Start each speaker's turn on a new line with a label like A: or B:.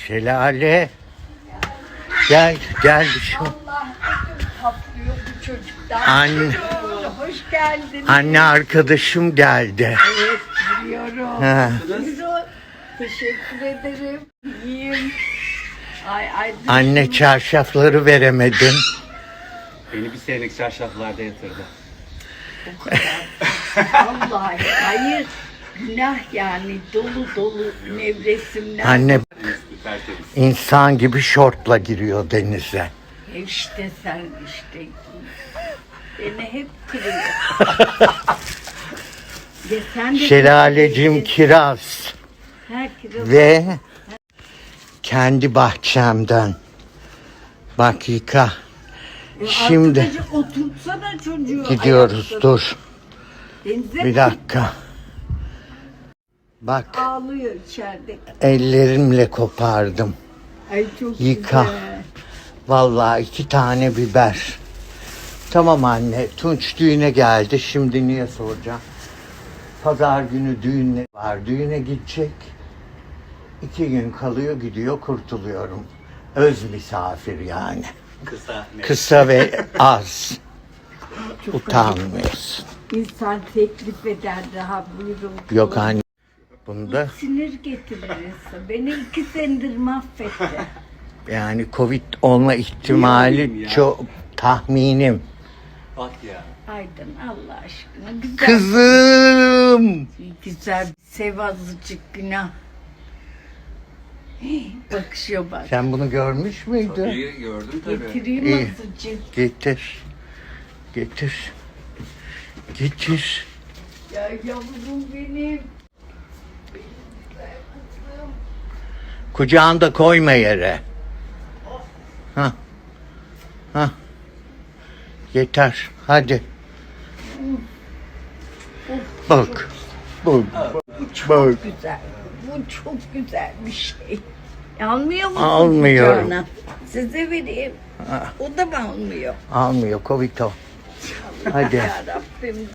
A: Şelale. Gel gel bir şey.
B: Allah ödüm patlıyor bu çocuktan.
A: Anne.
B: Hoş geldin.
A: Anne arkadaşım geldi.
B: Evet biliyorum.
A: Ha.
B: Buyurun. Teşekkür ederim. İyiyim. Ay.
A: Anne çarşafları veremedim.
C: Beni bir senelik çarşaflarda yatırdı.
B: Vallahi hayır. Günah yani dolu nevresimler.
A: Anne
C: Tertemiz.
A: insan gibi şortla giriyor denize.
B: İşte sen işte. Beni hep kırıyor. Ya sen de
A: Şelalecim kiraz
B: herkese
A: ve kendi bahçemden. Bak yıka. Şimdi
B: arkadaşı oturtsana çocuğu.
A: gidiyoruz.
B: ayakta.
A: Dur
B: Denize
A: bir dakika. Bak
B: ağlıyor içeride.
A: ellerimle kopardım.
B: Ay çok
A: Yıka.
B: güzel.
A: Vallahi 2 tane biber. Tamam anne. Tunç düğüne geldi. Şimdi niye soracağım? Pazar günü düğün var. Düğüne gidecek. 2 gün kalıyor gidiyor kurtuluyorum. Öz misafir yani.
C: Kısa. Ne?
A: Kısa ve az. Utanmıyorsun.
B: İnsan teklif eder daha buyurun.
A: Yok anne. Bunda
B: Sinir getirirse. Beni 2 senedir mahvetti.
A: yani Covid olma ihtimali
C: Niye ya?
A: çok tahminim.
C: Bak ya.
B: Aydın Allah aşkına. Güzel.
A: Kızım.
B: Güzel. Sev azıcık günah. Bakışıyor bak.
A: Sen bunu görmüş müydün?
C: İyi gördüm tabii.
B: Getireyim
A: İyi.
B: azıcık.
A: Getir. Getir. Getir.
B: Ya yavrum benim.
A: Kucağında koyma yere. Ha. Ha. Yeter. Hadi. Bak. Bak. Bak.
B: Güzel. Bu çok güzel bir şey. Almıyor musun?
A: Almıyorum.
B: kucağına? Size vereyim. O da mı almıyor?
A: Almıyor. Covid o. Hadi.
B: Yarabbim.